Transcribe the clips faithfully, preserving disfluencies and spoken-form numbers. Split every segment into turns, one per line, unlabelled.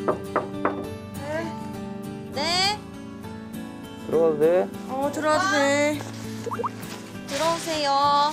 네.
들어가도 돼?
어, 들어와도 돼. 들어오세요.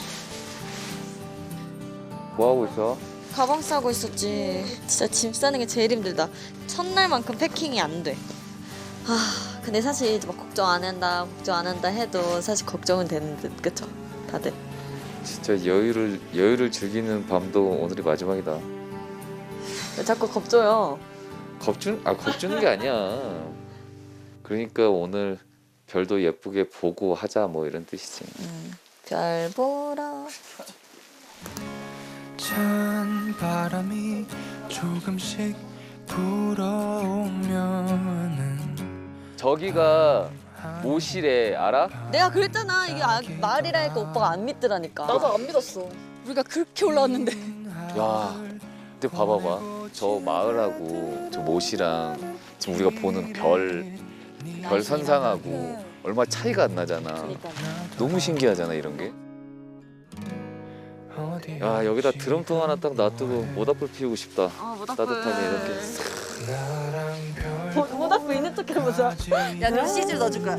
뭐 하고 있어?
가방 싸고 있었지. 진짜 짐 싸는 게 제일 힘들다. 첫날만큼 패킹이 안 돼. 아, 근데 사실 막 걱정 안 한다, 걱정 안 한다 해도 사실 걱정은 되는 듯, 그쵸? 다들.
진짜 여유를 여유를 즐기는 밤도 오늘이 마지막이다.
왜 자꾸 겁줘요?
겁주는 아 겁주는 게 아니야. 그러니까 오늘 별도 예쁘게 보고 하자 뭐 이런 뜻이지.
음, 별 보러.
찬 바람이 조금씩 불어오면은
저기가 모실에 알아?
내가 그랬잖아. 이게 아, 마을이라니까 오빠가 안 믿더라니까.
나도 안 믿었어. 우리가 그렇게 올라왔는데.
야, 근데 봐봐봐. 저 마을하고 저 모시랑 지금 우리가 보는 별, 별 선상하고 얼마 차이가 안 나잖아.
그러니까.
너무 신기하잖아 이런 게. 야, 여기다 드럼통 하나 딱 놔두고 모닥불 피우고 싶다.
아, 모닥불.
따뜻하게 이렇게.
모- 모닥불 있는 척 해보자.
야, 너 씨질 넣어줄 거야.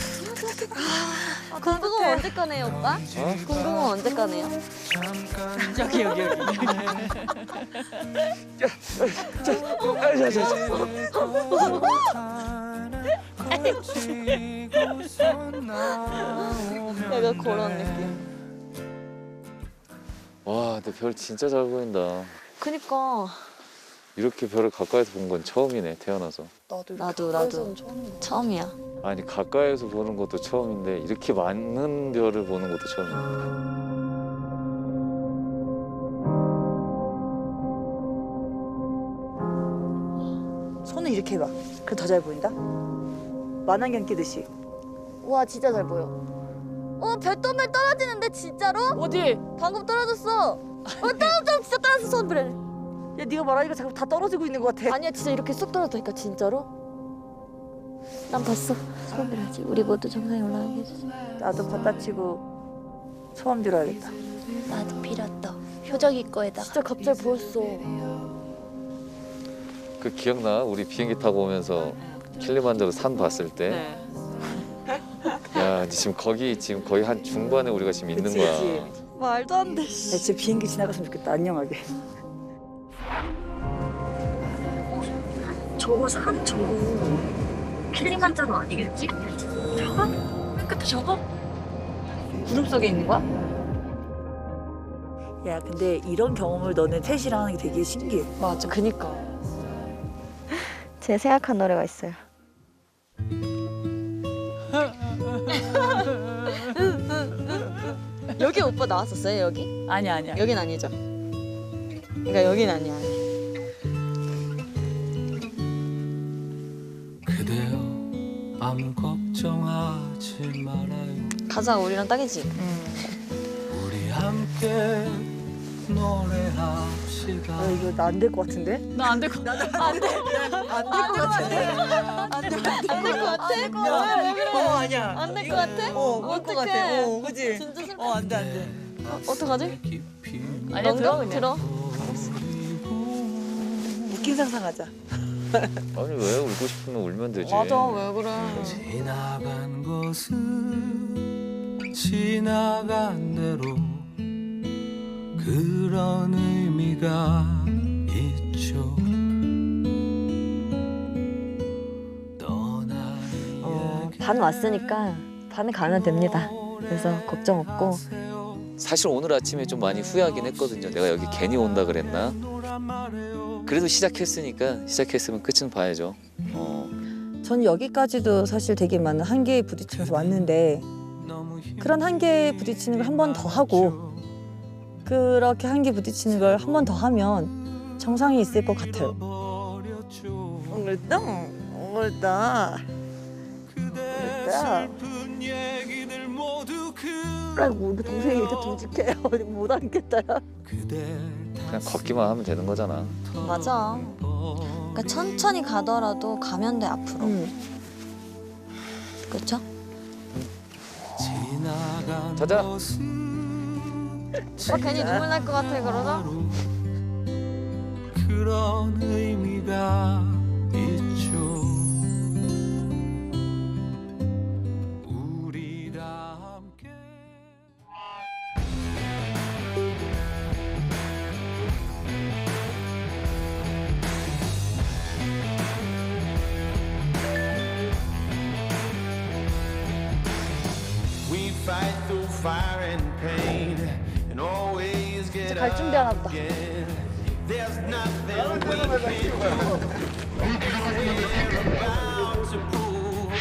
아, 군궁은 언제 꺼내요, 오빠?
어?
군궁은 언제 꺼내요?
여기, 여기, 여기.
약간 그런 느낌.
와, 근데 별 진짜 잘 보인다.
그니까.
이렇게 별을 가까이서 본 건 처음이네, 태어나서.
나도,
나도, 나도. 처음이야.
아니, 가까이서 보는 것도 처음인데 이렇게 많은 별을 보는 것도 처음이야.
손을 이렇게 해봐. 그럼 더 잘 보인다. 만안경 끼듯이.
와, 진짜 잘 보여. 어, 별똥별 떨어지는데 진짜로?
어디?
방금 떨어졌어. 어, 떨어져, 진짜 떨어졌어, 손별.
야, 네가 말하니까 자꾸 다 떨어지고 있는 것 같아.
아니야, 진짜 이렇게 쏙 떨어졌다니까, 진짜로? 난 봤어. 소원 빌어야지. 우리 모두 정상에 올라가게 해주지.
나도 받다 치고 소원 빌어야겠다.
나도 빌었다. 효정이 거에다가.
진짜 갑자기 보였어.
그 기억나? 우리 비행기 타고 오면서 킬리만자로 산 봤을 때.
네.
야, 지금 거기 지금 거의 한 중반에 우리가 지금 있는
그치,
거야.
그치.
말도 안 돼.
야, 진짜 비행기 지나갔으면 좋겠다. 안녕하게.
저거 산 저거 킬리만자로 아니겠지? 저거? 맨 끝에 저거? 구름 속에 있는 거야?
야, 근데 이런 경험을 너네 셋이랑 하는 게 되게 신기해.
맞아, 그니까. 제 생각한 노래가 있어요. 여기 오빠 나왔었어요, 여기?
아니야, 아니야.
여긴 아니죠? 그러니까 여긴 아니야.
그대여 아무 걱정하지 말아요.
가사가 우리랑 딱이지?
우리 함께 노래합시다.
야, 이거 나 안 될 것 같은데?
나 안 될 것 같아. 안 돼.
안 될 것 같은데?
안 될 것 같아? 안 될 것 같아? 왜 그래?
어, 아니야.
안 될 것 같아?
어, 올 것 같아.
어떡해.
어, 그지?
진짜 슬퍼.
어, 안 돼, 안 돼.
어, 어떡하지?
아니야, 들어, 그냥.
들어.
웃긴 상상하자.
아니, 왜 울고 싶으면 울면 되지.
맞아, 왜 그래?
지나간 것은 지나간 대로 그런 의미가 있죠.
어, 반 왔으니까 반에 가면 됩니다. 그래서 걱정 없고.
사실 오늘 아침에 좀 많이 후회하긴 했거든요. 내가 여기 괜히 온다 그랬나? 그래도 시작했으니까 시작했으면 끝은 봐야죠. 어.
전 여기까지도 사실 되게 많은 한계에 부딪히면서 왔는데 그런 한계에 부딪히는 걸 한 번 더 하고 그렇게 한계 부딪히는 걸 한 번 더 하면 정상이 있을 것 같아요. 오늘도 오늘다 오늘다. 아이고 우리 동생이 이렇게 듬직해. 어디 못 앉겠다.
그냥 걷기만 하면 되는 거잖아.
맞아. 그러니까 천천히 가더라도 가면 돼, 앞으로.
응.
그렇죠?
자자.
오빠 괜히 눈물 날 것 같아, 그러자?
그런 의미가 있죠. 우리 다 함께
We fight through fire and pain and always get
갈 준비하나 보다.
up again. There's nothing we can do. We're about to prove.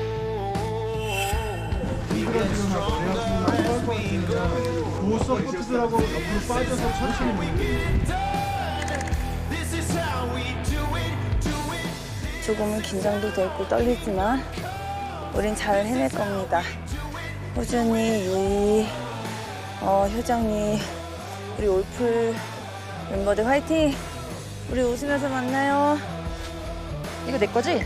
We get stronger as we go.
두 서포트들하고 옆으로 빠져서 천천히
We get done. This is how we do it, do it.
조금은 긴장도 되고 떨리지만 우린 잘 해낼 겁니다. 호준이, 유이, 어, 효정이, 우리 올풀 멤버들 화이팅! 우리 웃으면서 만나요. 이거 내 거지?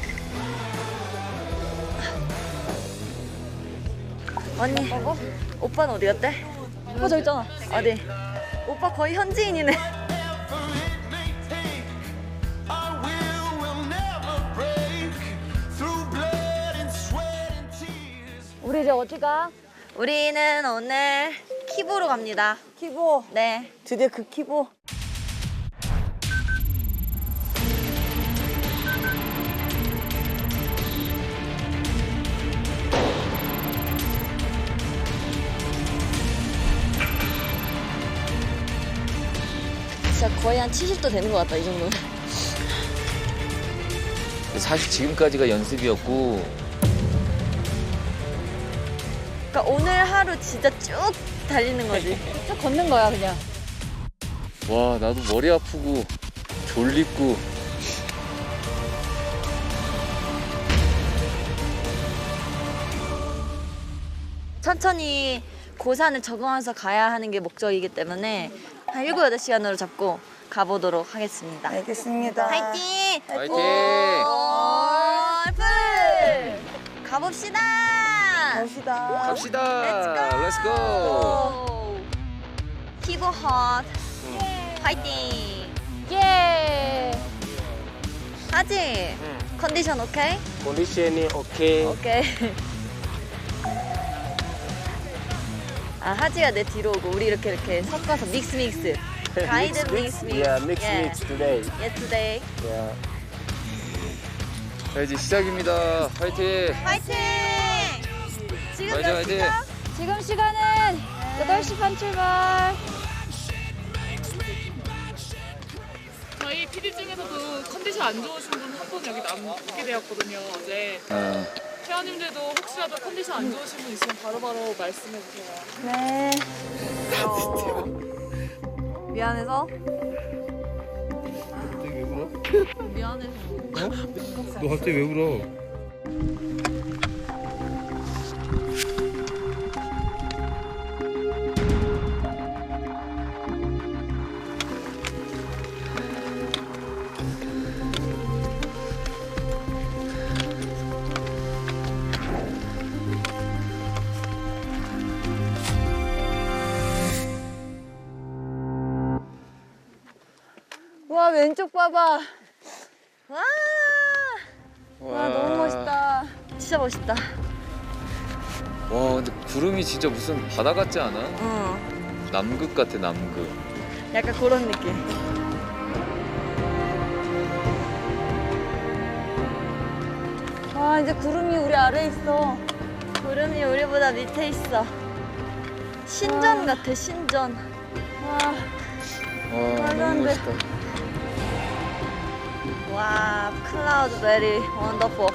언니, 오빠는 어디 갔대? 오빠 저기 있잖아. 어디? 오빠 거의 현지인이네.
Our will will never break. Through blood and sweat and tears.
우리 이제 어디 가?
우리는 오늘 키보로 갑니다.
키보.
네.
드디어 그 키보.
진짜 거의 한 칠십 도 되는 것 같다, 이 정도는.
사실 지금까지가 연습이었고
그러니까 오늘 하루 진짜 쭉 달리는 거지.
쭉 걷는 거야 그냥.
와 나도 머리 아프고 졸립고
천천히 고산을 적응하면서 가야 하는 게 목적이기 때문에 한 일곱, 여덟 시간으로 잡고 가보도록 하겠습니다.
알겠습니다.
화이팅!
화이팅!
올풀! 가봅시다!
갑시다.
갑시다. 렛츠고.
키보 헛. 화이팅!
예.
하지? 컨디션 오케이?
컨디션이 오케이.
오케이. 아, 하지가 내 뒤로 오고 우리 이렇게 이렇게 섞어서 믹스 믹스. 가이드 믹스 믹스.
Yeah, mix mix today.
Yeah, today.
Yeah.
자 이제 시작입니다. 화이팅.
화이팅! 지금
화이팅,
몇
화이팅.
시간?
지금 시간은 여덟 시 반 출발.
저희 피디 중에서도 컨디션 안 좋으신 분 한 분 여기 남게 되었거든요, 어제.
어.
회원님들도 혹시라도 컨디션 안 좋으신 분 있으면 바로바로 말씀해 주세요.
네.
미안해서?
갑자기 왜 울어?
미안해서.
너 갑자기 왜 울어?
와 왼쪽 봐봐.
와!
와 너무 멋있다.
진짜 멋있다.
와 근데 구름이 진짜 무슨 바다 같지 않아?
응.
남극 같아 남극.
약간 그런 느낌.
와 이제 구름이 우리 아래 있어.
구름이 우리보다 밑에 있어. 신전 같아, 신전.
와
와
말도 안
너무
돼.
멋있다.
와, cloud very wonderful.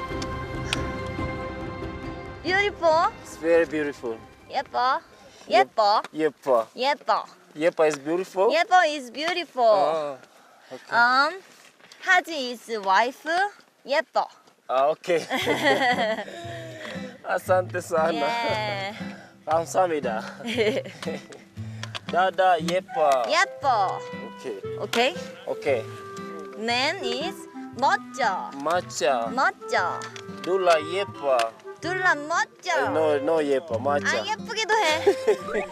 Beautiful.
It's very beautiful.
예뻐. 예뻐.
예뻐.
예뻐.
예뻐 is beautiful.
예뻐 is beautiful.
아, 오케이.
Um, 하지 is wife. 예뻐.
아, 오케이. 아산테 사나.
예.
감사합니다. 다다 예뻐.
예뻐.
오케이.
오케이.
오케이.
Man is 멋져.
맞자.
멋져.
둘라 예뻐.
둘라 멋져.
노, 노 예뻐. 맞자.
아, 예쁘기도 해.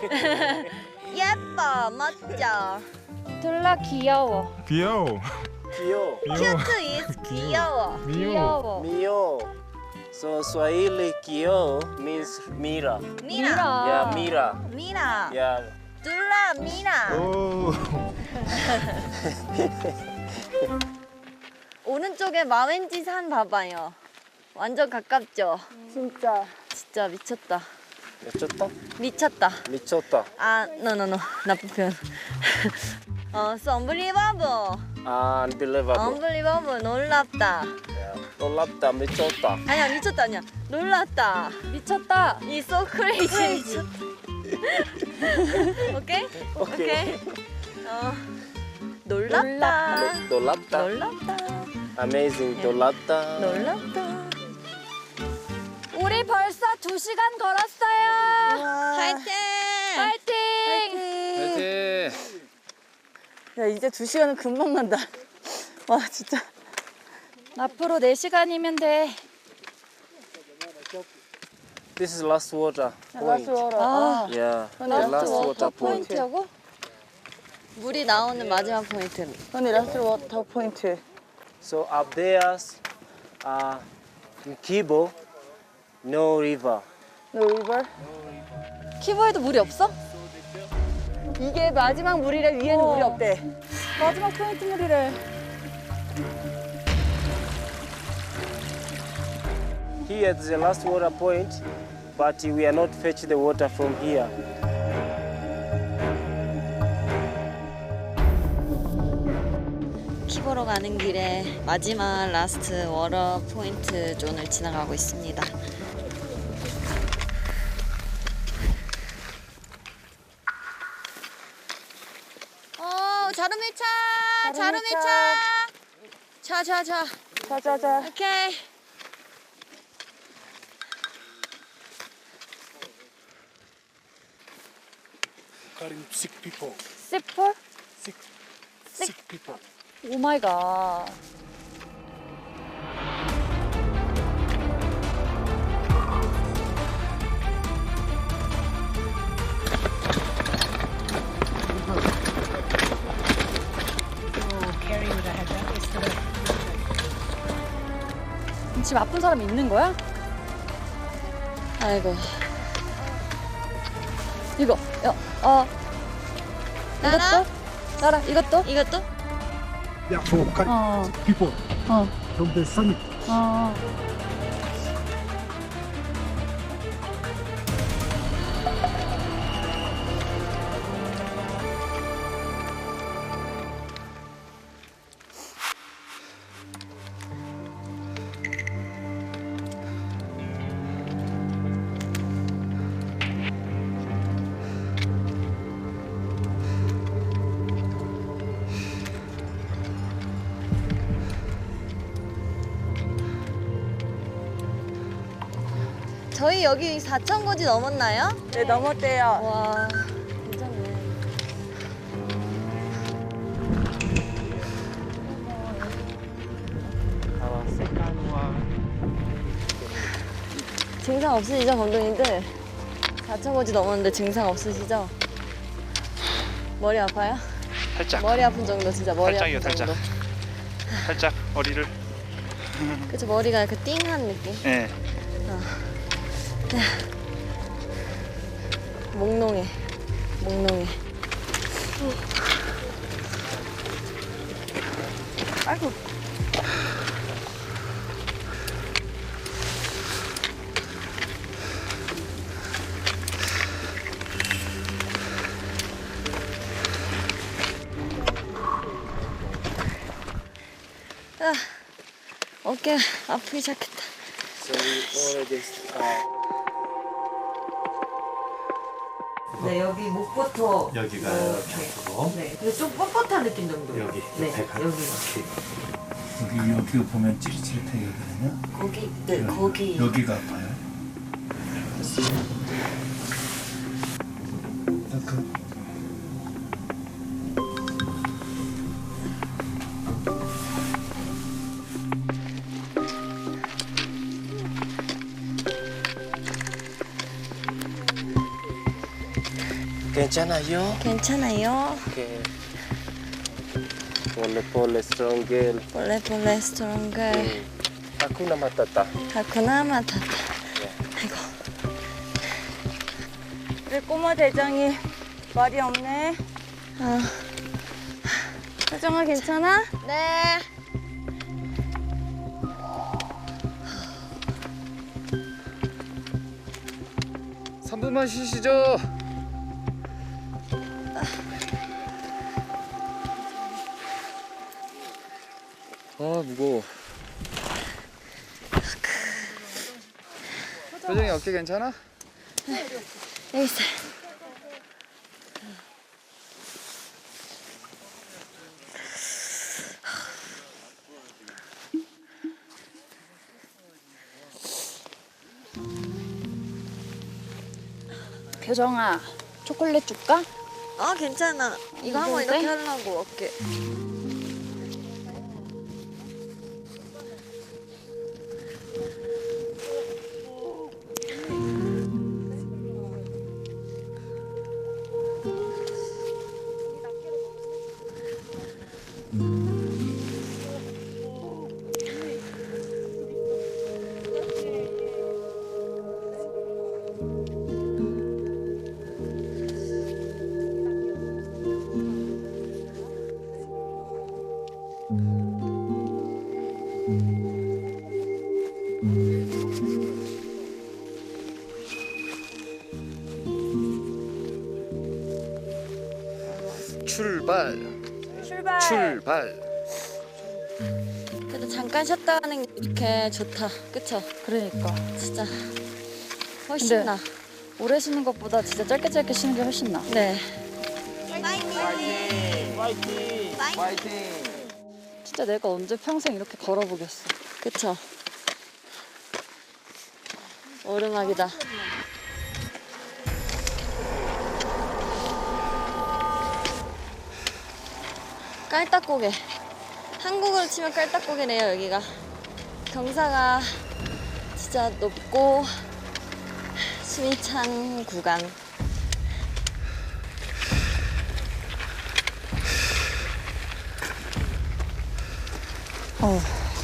예뻐, 멋져.
둘라 귀여워.
귀여워.
Kyo.
큐트 is 귀여워.
귀여워.
Mio. So Swahili Kyo means Mira.
미나.
Yeah, Mira.
미나.
Yeah.
둘라 미나.
오.
오른쪽에 마웬지 산 봐봐요. 완전 가깝죠?
진짜.
진짜 미쳤다.
미쳤다?
미쳤다.
미쳤다.
아, 노노노. 나쁜 표현. 어, so unbelievable.
아, unbelievable.
unbelievable. 놀랍다.
Yeah. 놀랍다, 미쳤다.
아니야, 미쳤다 아니야. 놀랐다.
미쳤다.
이 so crazy. 미쳤다. 오케이?
오케이.
어, 놀랍다.
놀랍다.
놀랍다.
Amazing. 놀랍다.
놀랍다.
우리 벌써 두 시간 걸었어요.
파이팅!
파이팅!
화이팅!
야 이제 두 시간은 금방 간다. 와 진짜.
앞으로 네 시간이면 돼.
This is last water point.
아,
Yeah. The
last
last
water
water point.
포인트하고
물이 나오는 마지막 포인트.
언니 라스트 워터 포인트.
So up there, uh, in Kibo, no river.
No river.
키보에도 물이 없어?
이게 마지막 물이래. 위에는 물이 없대.
마지막 포인트 물이래.
Here is the last water point, but we are not fetch the water from here.
키보로 가는 길에 마지막 라스트 워터 포인트 존을 지나가고 있습니다. 어, 자루밀차! 자루밀차! 자, 자, 자.
자자자.
오케이.
Carrying sick people.
시폴?
Sick. Sick people.
오 마이 갓. 지금 아픈 사람이 있는 거야?
아이고.
이거, 야, 어.
나라?
이것도? 나라, 이것도?
이것도?
Yeah, for carrying
어,
sick people
어,
from the summit.
어.
저희 여기 사천 고지 넘었나요?
네 넘었대요.
와, 괜찮네.
Our second one.
증상 없으시죠, 감독님들? 사천 고지 넘었는데 증상 없으시죠? 머리 아파요?
살짝
머리 아픈 정도, 진짜 머리
살짝이요,
아픈 정도.
살짝 머리를
그쵸, 머리가 이렇게 띵한 느낌?
예.
몽롱해, 몽롱해.
아이고.
아, 어깨 아프기 시작했다.
So we already uh,
네, 여기 목부터
여기가
이렇게. 네, 근데 좀 뻣뻣한 느낌 정도.
여기
네,
옆에가.
여기가.
여기 여기 보면 찌릿찌릿해 여기는요.
거기, 네,
여기,
거기.
여기가 아파요. 그
괜찮아요?
괜찮아요.
Okay. Pole pole strong girl.
볼레 볼레 스트롱글.
음. Hakuna matata.
하쿠나 마타타. 아이고.
우리 꼬마 대장이 말이 없네.
아.
사정아 괜찮아?
네.
삼 분만 쉬시죠. 아 무거워. 표정이 어깨 괜찮아?
여기 있어.
표정아, 초콜릿 줄까?
아 괜찮아. 이거 한번
무거운데?
이렇게 하려고 어깨.
출발.
출발.
출발.
그래도 잠깐 쉬었다 가는 게 이렇게 좋다. 그쵸?
그러니까.
진짜 훨씬
근데-
나.
오래 쉬는 것보다 진짜 짧게 짧게 쉬는 게 훨씬 나.
네.
진짜 내가 언제 평생 이렇게 걸어보겠어.
그쵸? 오르막이다. 깔딱고개. 한국으로 치면 깔딱고개네요, 여기가. 경사가 진짜 높고 숨이 찬 구간.
어.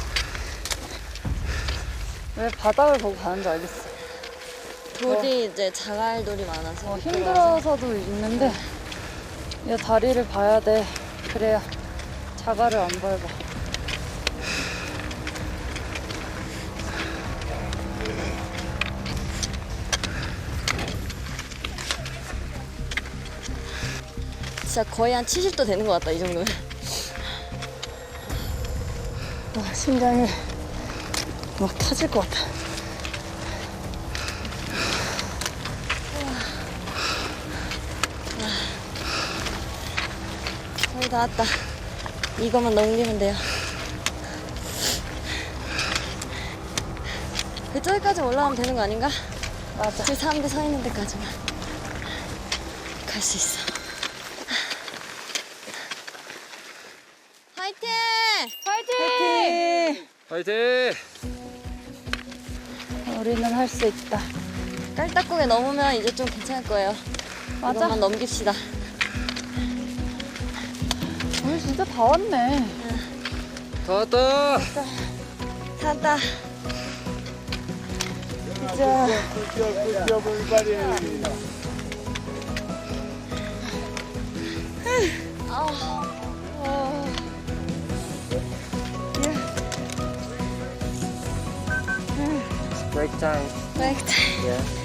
왜 바닥을 보고 가는지 알겠어.
돌이 이제 자갈돌이 많아서
어, 힘들어서도 있는데 이 다리를 봐야 돼. 그래야 자갈을 안 밟아.
진짜 거의 한 칠십 도 되는 것 같다, 이 정도면.
와, 심장이 막 터질 것 같아.
거의 다 왔다. 이거만 넘기면 돼요. 그쪽까지 올라가면 되는 거 아닌가?
맞아.
그 사람들 서 있는 데까지만 갈 수 있어. 화이팅!
화이팅!
화이팅!
우리는 할 수 있다.
깔딱고개 넘으면 이제 좀 괜찮을 거예요.
맞아.
이것만 넘깁시다.
우리 진짜 다 왔네.
다 왔다.
찾다.
진짜.
Break time.
Break time.
Yeah.